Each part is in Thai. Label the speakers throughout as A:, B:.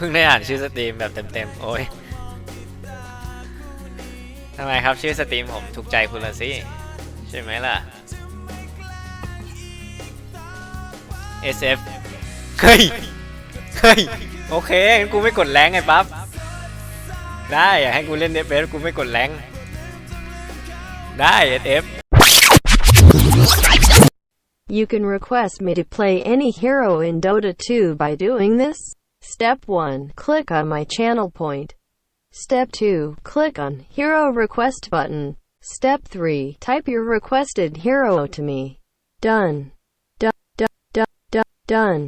A: พิ่งได้อ่านชื่อสตรีมแบบเต็มๆโอ้ยทำไมครับชื่อสตรีมผมถูกใจคุณละสิใช่ไหมล่ะ SF เฮ้ยเฮ้ยโอเคงั้นกูไม่กดแรงไงปั๊บได้อยากให้กูเล่น FF กูไม่กดแรงได้ SF
B: You can request me to play any hero in Dota 2 by doing this. Step 1. Click on my channel point. Step 2. Click on Hero Request button. Step 3. Type your requested hero to me. Done. Done.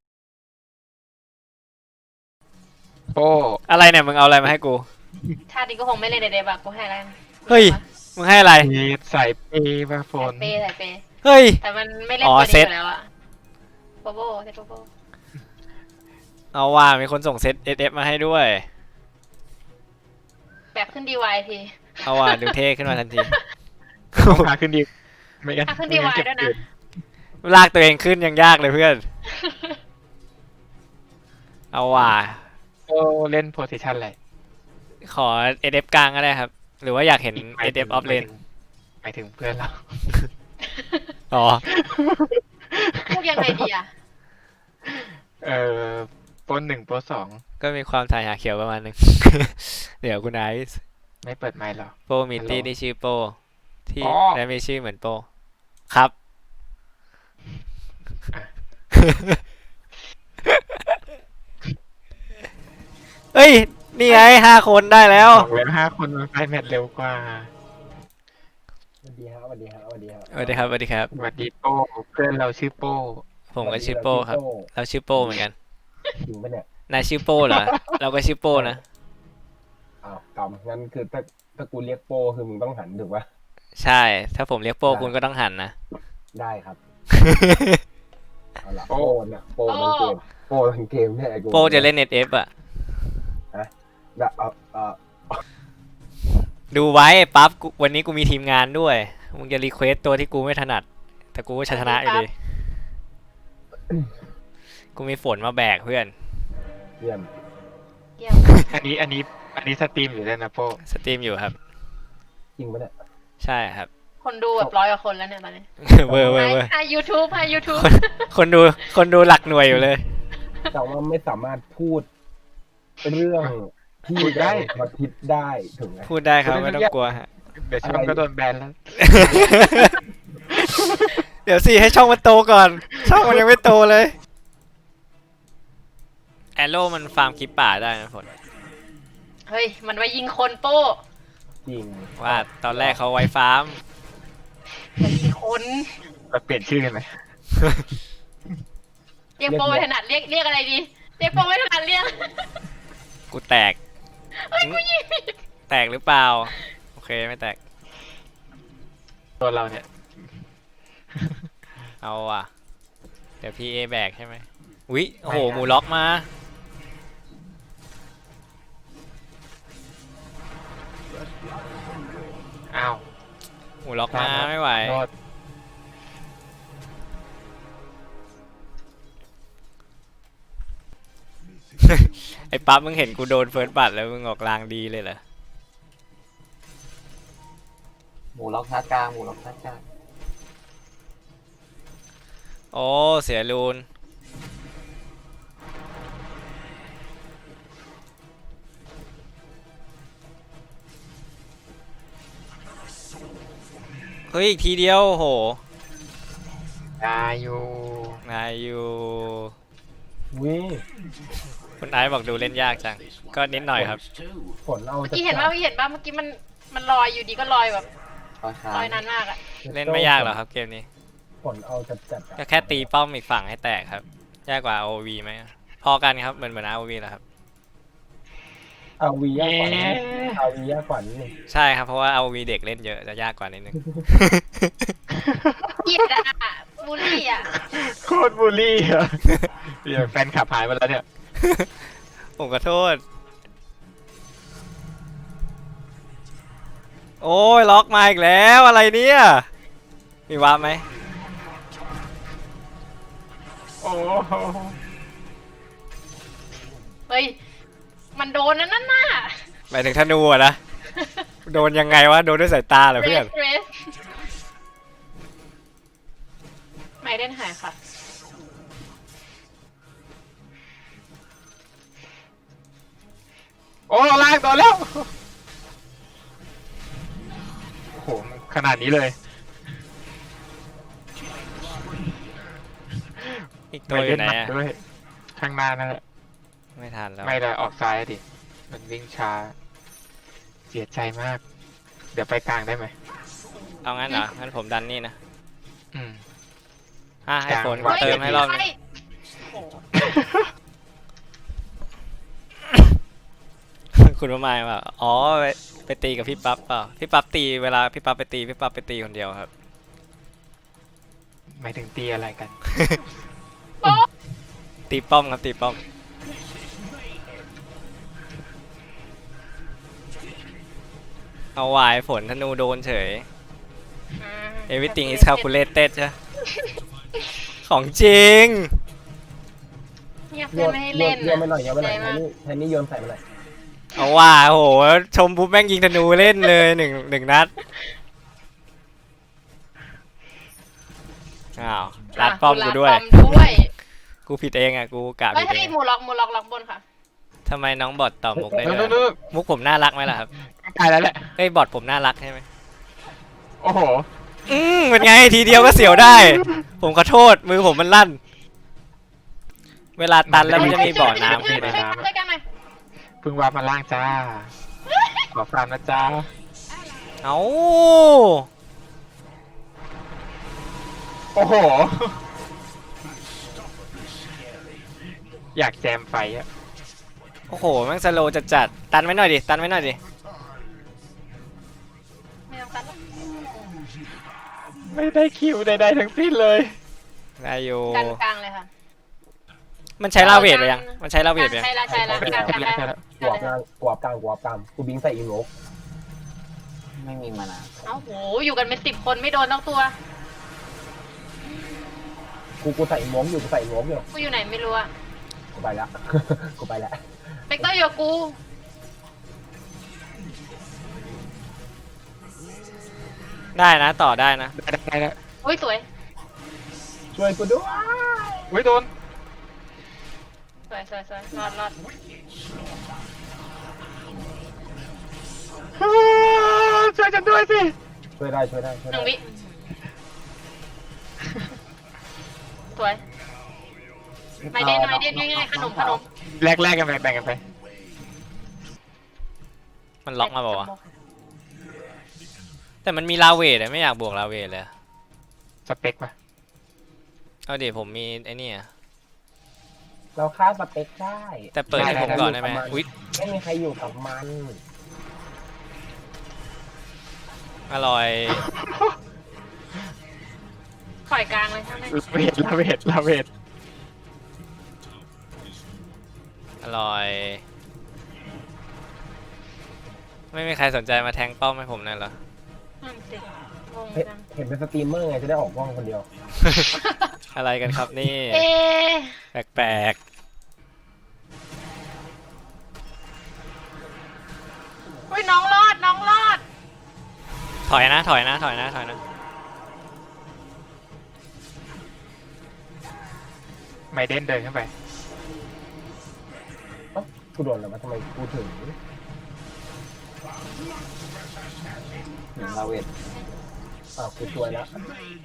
C: โอ้
A: อะไรเนี่ยมึงเอาอะไรมาให้กู
D: ชาตินี้ก็คงไม่เล่นในเดบอะกูให้อะไร
A: เฮ้ยมึงให้อะไร
C: มีใส่เปย์มาโฟ
D: ใส่
C: น
D: เปย์ใส่เปย์
A: เฮ้ย
D: แต่มันไม่เล่น
A: อ๋อ
D: ตัว
A: เซ็
D: นี้
A: ต
D: อยู่แล้วอะโปโบเซ็ตโปโบ
A: เอาว่ามีคนส่งเซต SF มาให้ด้วย
D: แบบขึ้นดีวายที
A: เอาว่าดูเท่ขึ้นมาทันที
C: ต้องพาขึ้นดีไม่งั้น
D: ถ้าขึ้นดีวายด้วยนะ
A: ลากตัวเองขึ้นยังยากเลยเพื่อน เอาว่า
C: โอ้เล่นโพสิชันอะไร
A: ขอ SF กลางก็ได้ครับ หรือว่าอยากเห็น SF off lane
C: หมายถึงเพื่อนเรา
A: อ๋อ
D: พูดยังไงดีอะ
C: เออโปรหนึ่งโปรสอง
A: ก็มีความถ่ายหาเขียวประมาณนึง เดี๋ยวคุณไอซ์
C: ไม่เปิดไมค์หรอ
A: โปมิตี้ที่ชื่อโปที่
C: อ๋อ
A: และมีชื่อเหมือนโปครับ เฮ้ย นี่ไง5 คนได้แล้ว
C: บอกเลย5 คนมันไปแมทเร็วกว่า
E: สวัสดีครับสวัสดีครับสวัสดีครับ
A: สวัสดีครับสวัสดีครับ
C: สวัสดีโป้เพื่อนเราชื่อโป้
A: ผมก็ชื่อโปครับเราชื่อโปเหมือนกัน
E: จริงปะเนี่ย
A: นายชื่อโปเหรอ เราก็ชื่อโปนะ
E: อ้าวกำงั้นคือถ้ากูเรียกโปคือมึงต้องหันถูกปะ
A: ใช่ ถ้าผมเรียกโปคุณก็ต้องหันนะ
E: ได้ครับเอาล่ะโปเนี่ยโปทั้งเกมโปทั้งเกมเนี่ยไอ้กู
A: โปจะเล่น SF อ่ะ
E: ได้
A: ดูไว้ปั๊บกูวันนี้กูมีทีมงานด้วย มึงจะรีเควสตัวที่กูไม่ถนัด แต่กูก็ชนะอยู่ดีกูมีฝนมาแบกเพื่อน
E: เยี่ยม
D: เยี่ยม
C: อันนี้สตรีมอยู่ด้วยนะโป้
A: สตรีมอยู่ครับ
E: จริงปะเนี่ย
A: ใช่ครับ
D: คนดูแบบ100 กว่าคนแล้วเนี่ยตอนนี้
A: เวอร์เวอร์เวอร์
D: ให้ยูทูบให้ยูทูบ
A: คนดูหลักหน่วยอยู่เลย
E: แต่ว่าไม่สามารถพูดเรื่องที่ได้มาคิดได้ถูกไหม
A: พูดได้ครับไม่ต้องกลัวฮะ
C: เดี๋ยวช่องก็โดนแบนแล้ว
A: เดี๋ยวสิให้ช่องมันโตก่อน ช่องมันยังไม่โตเลยแอโร่มันฟาร์มคลิปป่าได้นะผล
D: เฮ้ยมันไว้ยิงคนโป้
E: จริง
A: ว่าตอนแรกเขาไว้ฟาร์ม
D: ไว้ยิงคน
C: เราเปลี่ยนชื่อกันไหม
D: เรียกโป้ไม่ถนัดเรียกอะไรดีเรียกโป้ไม่ถนัดเรียก
A: กูแตก
D: เฮ้ยกูยิง
A: แตกหรือเปล่า โอเคไม่แตก
C: ตัวเราเนี่ย
A: เอาว่ะ เดี๋ยวพี่เอแบกใช่ไหมอุ๊ยโอ้โหหมูล็อกมา
C: อ้าว
A: หมูล็อกมาไม่ไหว
C: โทษ
A: ไอ้ปั๊บมึงเห็นกูโดนเฟิร์สบัตแล้วมึงออกลางดีเลยเหรอ
F: หมูล็อกชาร์จกลางหมูล็อกชาร์จกลาง
A: โอ้เสียรูนเฮ้ยอีกทีเดียวโห
C: ตายอยู่
A: นายอยู่
E: วิ
A: คุณไอซ์บอกดูเล่นยากจัง ก็นิดหน่อยครับ
E: ผลเอา
D: เมื่อกี้เห็นป่ะเมื่อกี้มันลอยอยู่ดีก็ลอยแบบ
F: คอยค้า
D: ลอยนานมากอะ
A: เล่นไม่ยากหรอกครับเกมนี้
E: ผลเอาจัด
A: ก็แค่ตีป้อมอีกฝั่งให้แตกครับ ยากกว่า ROV ไหมพอกันครับเหมือน ROV แหละครับ
E: เอาวียากกว่านี้เอาวียากกว่านี้
A: ใช่ครับเพราะว่า ROV เด็กเล่นเยอะจะยากกว่านิดนึง
D: เกลียดอะบูลลี่อะ
C: โคตรบูลลี่อ่ะเดี๋ยวแฟนขับหายไปแล้วเนี่ย
A: ผมขอโทษ โอ้ยล็อกมาอีกแล้วอะไรเนี่ยมีวาร์ปไหม
C: โอ้โห
D: เฮ้ฮ้ยมันโดนนั่นน่ะ
A: หมายถึงธนูอะนะ โดนยังไงวะ โดนด้วยสายตาเหรอเพื่อน
D: เรสไม่เล่นหายค่ะ
C: โอ้ลากโดนแล้วโอ้โหขนาดนี้เลย
A: อีกตัวอยู่ไหน
C: ม่เล่
A: อะ
C: มัดด้วยข้างหน้านั่นแหละ
A: ไม่ทันแล้ว
C: ไม่ได้ออกซ้ายอะดิมันวิ่งช้า เสียใจมาก เดี๋ยวไปกลางได้ไหม
A: เอางั้นเหรอ งั้นผมดันนี่นะ
C: อืม
A: ให้ฝน
C: ฮ้ย
A: เติมให้รอบนึง
D: โอ้
A: คุณประมาณว่าอ๋อไปตีกับพี่ปั๊บเปล่า พี่ปั๊บตีเวลาพี่ปั๊บไปตีพี่ปั๊บไปตีคนเดียวครับ
C: หมายถึงตีอะไรกัน
A: ตีป้อมครับตีป้อม เอาวายฝนธนูโดนเฉย everything is calculated ใช่ ของจริง
D: เนี่ย
E: โย
D: เพื่อน
E: น
D: ไม่ให้
E: โย
D: เล่
E: น
D: น
E: โยนไปหน่อยโยนไปหน่อยแทนนี่โยนใส่ไปหน่อย
A: เอาว่าโหชมปุ๊บแม่งยิงธนูเล่นเลยหนึ่งนัดอ้าวรัดป้อมกูด้วย
D: รัป้อมด้วย
A: กูผิดเองอ่ะกูกะ
D: เฮ้
A: ผิ
D: ย
A: ดเอ
D: ให้
A: ง
D: หมูล็อกบนค่ะ
A: ทำไมน้องบอทตอบมุกได้
C: นู่น
A: ด้วย
C: นู่น
A: มุกผมน่ารักไหมล่ะครับ
C: ตายแล้วแหละ
A: เฮ้ยบอทผมน่ารักใช่ไหม
C: โอ้โห
A: เป็นไงทีเดียวก็เสียวได้ ผมขอโทษมือผมมันลั่น เวลาตันแล้วมันจะมีบ่อน้ำขึ้น
D: ช่
A: มา
D: วยกันหน่อย
C: เพิ่งว่ามาล่างจ้า ขอฟรานนะจ้า
A: เอ้า
C: โอ้โห อยากแจมไฟอะ
A: โอ้โหแม่งสโลว์จัดๆตันไว้หน่อยดิตันไว้หน่อยดิ
D: ไม่ต้องตัดหรอก
C: ไม่ได้คิวใดๆทั้งสิ้นเลย
A: ได้อยู่
D: กันกลางเลยค่ะ
A: มันใช้ลาเวทไปยังมันใช้ลาเวทไปยัง
D: ใช่แล้วกลางกลาง
E: กวบกลางกวบกลางกวบกลางกูบิงใส่อีโงก
F: ไม่มีมานา
D: เอ้าโหอยู่กันเป็น10 คนไม่โดนทั้งตัว
E: กูใส่อีโงกอยู่กูใส่อีโงกอยู่
D: กูอยู่ไหนไม่รู้อะ
E: กูไปแล้ว กูไปแล้ว
D: เบกเตอร์อยู่กับกู
A: ได้นะต่อได้นะ
C: ได้แล้ว
D: อุ้ยสวย
E: ช่วยกูด้วย
C: อุ้ยโดน
D: สวยรอด
C: ช่วยฉันด้วยสิ
E: ช่วยได้ช่วยได้ช่วย
D: หนึ่
E: ได้
D: งวิสวยไม่เด่นง่ายๆขนม
C: แลกกันไปแบ่งกันไป
A: มันล็อกมาบอกว่าวะแต่มันมีลาเวทอะไม่อยากบวกลาเวทเลย
C: สเปคปะ
A: เอาดิผมมีไอ้นี่อะ
E: เราฆ่าสเปคได้
A: แต่เปิดให้ผมก่อนได้ไหมอุ๊ย
E: ไม่มีใครอยู่กับมัน
A: อร่อย
D: ปล่อยกลางเลยใช่ไหม
C: ลาเวท
A: อร่อย ไม่มีใครสนใจมาแทงป้อมให้ผมหน่อยเหรอ
D: นั่นสิงงจัง
E: เห็นเป็นสตรีมเมอร์ไงจะได้ออกกล้องคนเดียว
A: อะไรกันครับนี่
D: เอ๊ะ
A: แปลก
D: อุ้ยน้องรอด
A: ๆถอยนะ
C: ไมเดนเดินขึ้นไป
E: เอ้ากูโดนแล้วมาทำไมกูถึง
F: หนึ่งลาเวท
E: อ้าวกูช่วยแล้ว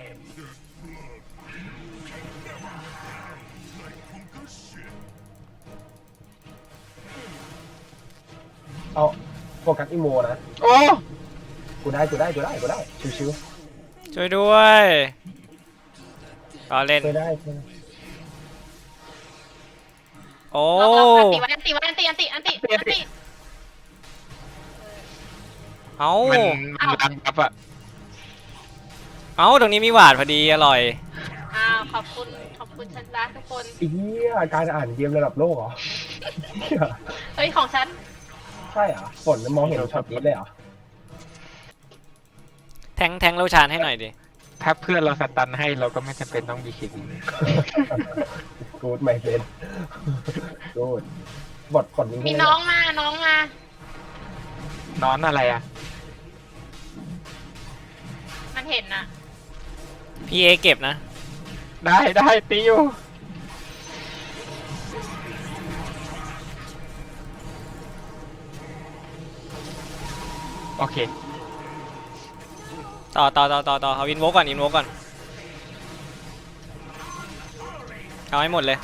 E: เอาโฟกัสอีโมนะ
C: โอ้
E: กูได้ชิว
A: ช่วยด้วยรอเล่น
E: ๆช่วยได้ช่วยได้
A: โอ้
D: อันติ
A: เอ้า
C: มันรันบัฟอะ
A: เอ้าตรงนี้มีหวาดพอดีอร่อย
D: อ้าวขอบคุณฉันรักทุกคน
E: ไอ้เหี้ยการอ่านเกมระดับโลกเหรอเหี้ย
D: เฮ้ยของฉัน
E: ใช่เหรอฝนมองเห็นช็อตนี้เลยเหรอ
A: แทงโลชานให้หน่อยดิ
C: ถ้าเพื่อนเราสตันให้เราก็ไม่จำเป็นต้องมีคิด
E: กูดไม่เป็นกูดกดลิงก์
D: มี
E: ให้
D: น้องมา น้องมา
C: นอนอะไรอ่ะ
D: มันเห็นน่ะ
A: พี่เอเก็บนะ
C: ได้ตีอยู่โอเค
A: ต่อเอาอินโวก่อนเอาให้หมดเลย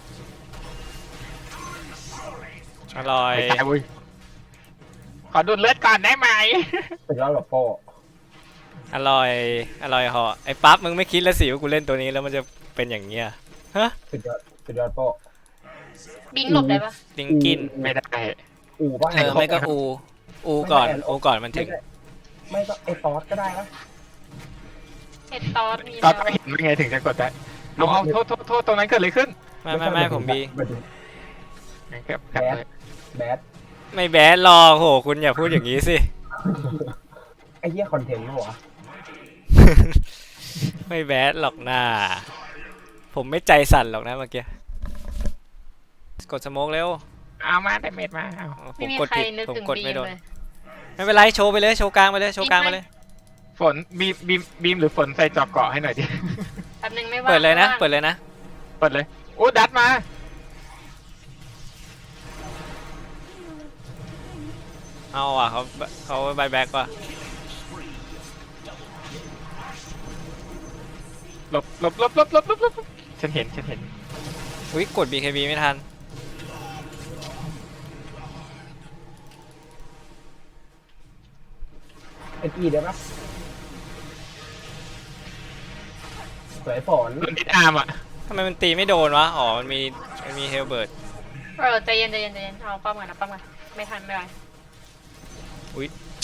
A: อร่อย
C: ไม่ตายเว้ยขอดูดเลือดก่อนได้ไหม
E: สุดยอดแบบโป้
A: อร่อยเหอไอ้ปั๊บมึงไม่คิดแล้วสิว่ากูเล่นตัวนี้แล้วมันจะเป็นอย่างเงี้ยฮะ
E: สุดยอดโป้
D: บิงหลบได้ปะ
A: ลิงกิน
C: ไม่ได้
E: อูป่ะ
A: ไม่ก็อูก่อนมันถึง
E: ไม่ก็ไอตอสก็ได้นะ
D: เห็ดตอสมี
C: ก็
D: แล้ว
C: ต้องเห็นไม่ไงถึงจะกดได้เอาโทษตรงนั้นเกิดอะไรขึ้น
A: ไม่ผมบี
C: งั้นก็กลับเลย
E: แบด
A: ไม่แบดหรอกโหคุณอย่าพูดอย่างนี้สิ
E: ไอ้เหี้ยคอนเทนต์มั้งวะ
A: ไม่แบดหรอกนะผมไม่ใจสั่นหรอกนะเมื่อกี้กดสโมกเร็ว
C: เอามาแต่เม็ดมาเอา
A: ผ
D: ไม่
A: ม
D: มี
A: กด
D: ใคร
A: ผิด
D: นึก
A: ผม
D: ถึง
A: กด
D: บี
A: ไม่
D: ม
A: โดน
D: เลย
A: ไม่เป็นไรโชว์ไปเลยโชว์กลางไปเลยโชว์กลางไปเลย
C: ฝนบีมหรือฝนใส่จอกเกาะให้หน่อยดิ
D: แป๊บนึงไม่ว่าง
A: เปิดเลยนะ
D: ไม่ว่าง
A: เปิดเลยนะ
C: เปิดเลยโอ้ดัดมา
A: เอาอ่ะเขาบายแบ็กว่ะ
C: หลบฉันเห็น
A: อุ้ยกด BKB ไม่ทัน
E: เอ็ดอีได้ปะสวยฝน
C: โดนดิดอาร์มอ่ะ
A: ทำไมมันตีไม่โดนวะอ๋อมันมีเฮลเบิร์ต
D: ใจเย็นเอาป้อมก่อนนะป้อมก่อนไม่ทันไม่ไหว
A: อุ้ย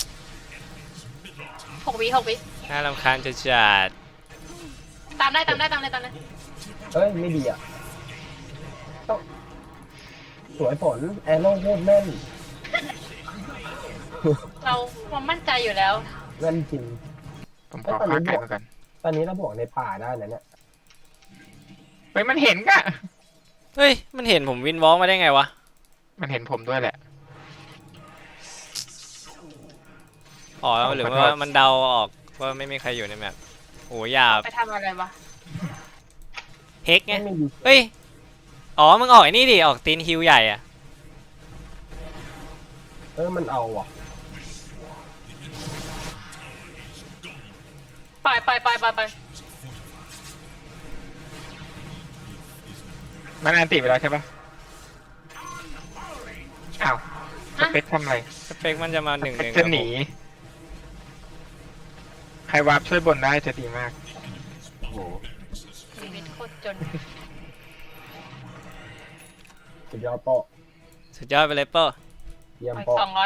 D: 6 วิ
A: น่ารำคาญจะจัด
D: ตามได้
E: เอ้ยไม่ดีอ่ะต้องสวยฝนแอโร่โคตรแม่น
D: เรามั่นใจอยู่แล้ว
E: แม่นจริง
C: ผมขอฆ่าไก่มาก่อน
E: ตอนนี้เราบวกในป่าได้นะเนี่ย
C: เฮ้ยมันเห็นกะ
A: เฮ้ยมันเห็นผมวินวอล์กมาได้ไงวะ
C: มันเห็นผมด้วยแหละ
A: อ๋อหรือว่ามันเดาออกว่าไม่มีใครอยู่ในแมปโอ้หยาบ
D: ไปทำอะไรวะ
A: เฮกไง
E: ไม่มี
A: เฮ้ยอ๋อมึงออกไอ้นี่ดิออกตีนฮิวใหญ่อะ
E: มันเอาว่ะ
D: ไป
C: มันอันติไปแล้วใช่ปะอ้าวสเปคทำอะไร
A: สเปคมันจะมา1-1
C: จะหนี ใครวาร์ปช่วยบนได้จะดีมาก
E: โอ้โห
D: ชีวิตโคตรจน
E: สุดยอดโป้
A: สุดยอดไปเลยเปอร์
E: เยี่ยม
D: ข
E: โป้
D: อ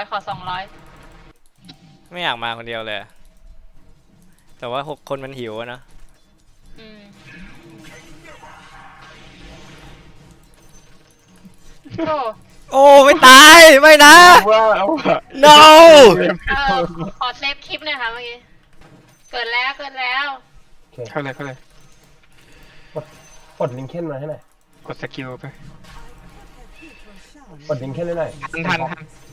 D: 200
A: ไม่อยากมาคนเดียวเลยอะแต่ว่า6 คนมันหิวอะเนอะ
D: อืมโอ้
A: โอ้ไม่ตายไม่นะ
C: ว่าเอาอะ
A: no
D: ขอเซฟคลิปหน่อยค่ะเมื่อกี้ เกิดแล้ว
E: โอเค
C: เข้าเลย
E: กดลิงก์เค้นมาให้หน่อย
C: กดสกิลไป
E: กดลิงก์เค้นให้หน่อย
C: ทัน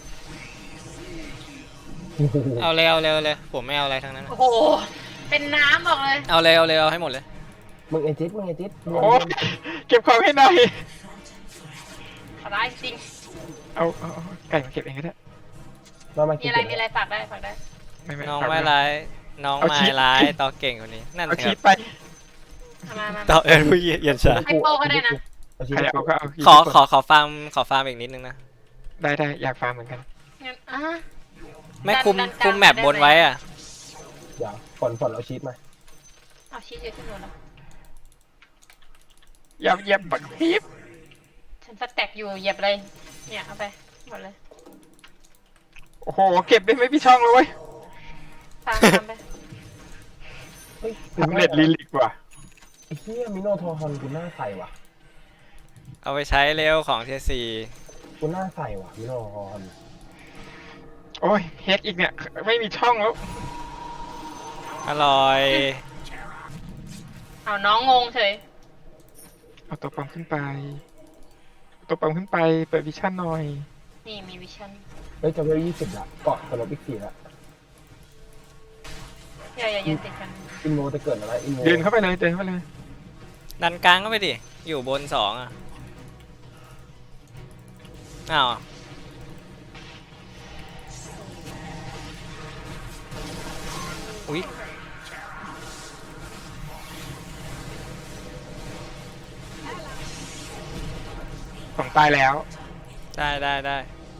A: เอาเลยผมไม่เอาอะไรทั้งนั้นอะ
D: โอ้โห เป็นน้ำบอกเลย
A: เอาเลยเอาให้หมดเลย
E: มึงไอจิ๊ด
C: โอ้เก็บของให้หน่อย
D: ร้ายจริง
C: เอาไก่มาเก็บเองก็ได้
E: มา
D: มี
E: กิน
D: อะไรฝากได้
A: น้อง
C: ฝาก
A: ไม่
C: ว้
A: ร้ายน้อง
C: เอา
A: ไม่
C: ชีส
A: ร้ายต่อเก่งคนนี้นั่น
C: เอา
A: ค
C: ชี
A: รั
C: ส
A: บ
C: ไป
D: มา
A: ต่อผู้เย็นชา
D: ให้โป้ก็ได้นะ
C: ใครเอาก็เอา
A: ขอฟาร์มอีกนิดนึงนะ
C: ได้อยากฟาร์มเหมือนกัน
D: งั้น
A: ไม่คุม
D: ดันกลาง
A: แมป
D: ได้ไหม
A: บนไว้อ่ะ
E: เดี๋ยวฝนเอาชีสมา
D: เอาชีสอยู่ที่หนูแล้ว
C: อย่าเหยียบบักพีบ
D: ฉันสแต็กอยู่เหยียบเลย เนี่ยเอาไปหมดเลย
C: โอ้โหเก็บได้ไม่พี่ช่องเลยเว้ย
D: ตามไป
E: เฮ้ย
C: ทำเน็ตลิลิกว่ะ
E: ไอ้เหี้ยมิโนโทฮอนกูหน้าใสว่ะ
A: เอาไปใช้เร็วของเทียซี
E: กูหน้าใสว่ะมิโนโทฮอน
C: โอ้ยเฮกอีกเนี่ยไม่มีช่องแล้ว
A: อร่อย
D: เอาน้องงงเฉย
C: เอาตัวปลอมขึ้นไปตัวปั๊มขึ้นไปเปิดวิชั่นหน่อย
D: นี่มีวิชั่น
E: เฮ้ยจะเวล20ละเกาะสลบอีก4ละ
D: อย่ายืนติดกัน
E: อินโมจะเกิดอะไรอินโม
C: เดินเข้าไปเลยเดินเข้าไปเลย
A: ดันกลางก็ไปดิ อยู่บน2อ่ะ อ้าว อุ๊ย
C: ของตายแล้ว
A: ได้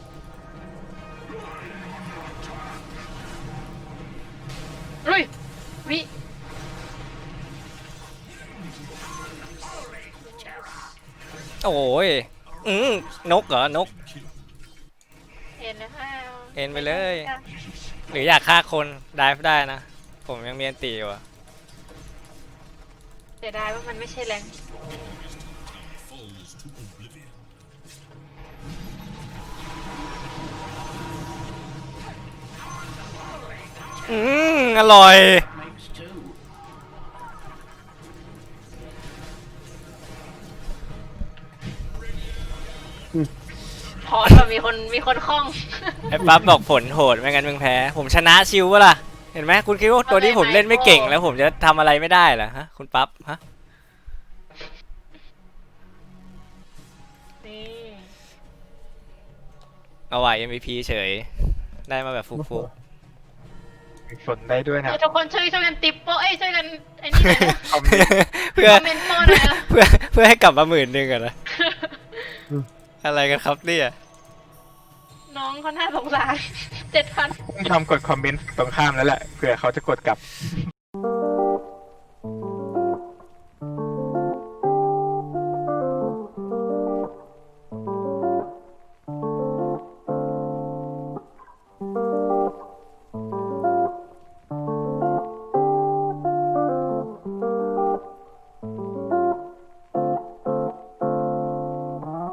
D: ลุยวิ
A: โอ้ยนกเหรอ นก
D: เอ็นแล้ว
A: เอ็นไปเลย หรืออยากฆ่าคนได้ได้นะ ผมยังมีอันตีอยู่อะ
D: เสียดายว่ามันไม่ใช่แรง
A: อร่อย
D: พอแบบมีคนคล่อง
A: ไอ้ปั๊บบอกผลโหดไม่งั้นมึงแพ้ ผมชนะชิววะล่ะ เห็นไหมคุณคิดว่าตัวนี้ผมเล่นไม่เก่งแล้วผมจะทำอะไรไม่ได้เหรอฮะ คุณปั๊บฮะ
D: นี่
A: เอาไว้ MVP เฉย ได้มาแบบฟุก
C: ฝนได้ด้วยนะ
D: ทุกคนช่วยกันติปโป้ช่วยกันไอ้นี่หน่อยนะ
C: คอมเมนต์
A: ๆ เพื่อ
D: คอมเมนต์โป้หน่อยนะ
A: เพื่อให้กลับมา10,000อะนะ อะไรกันครับเนี่ย
D: น้องเขาน่าสงสาร7,000
C: ต้องทำกดคอมเมนต์ตรงข้ามแล้วแหละเผื่อเขาจะกดกลับ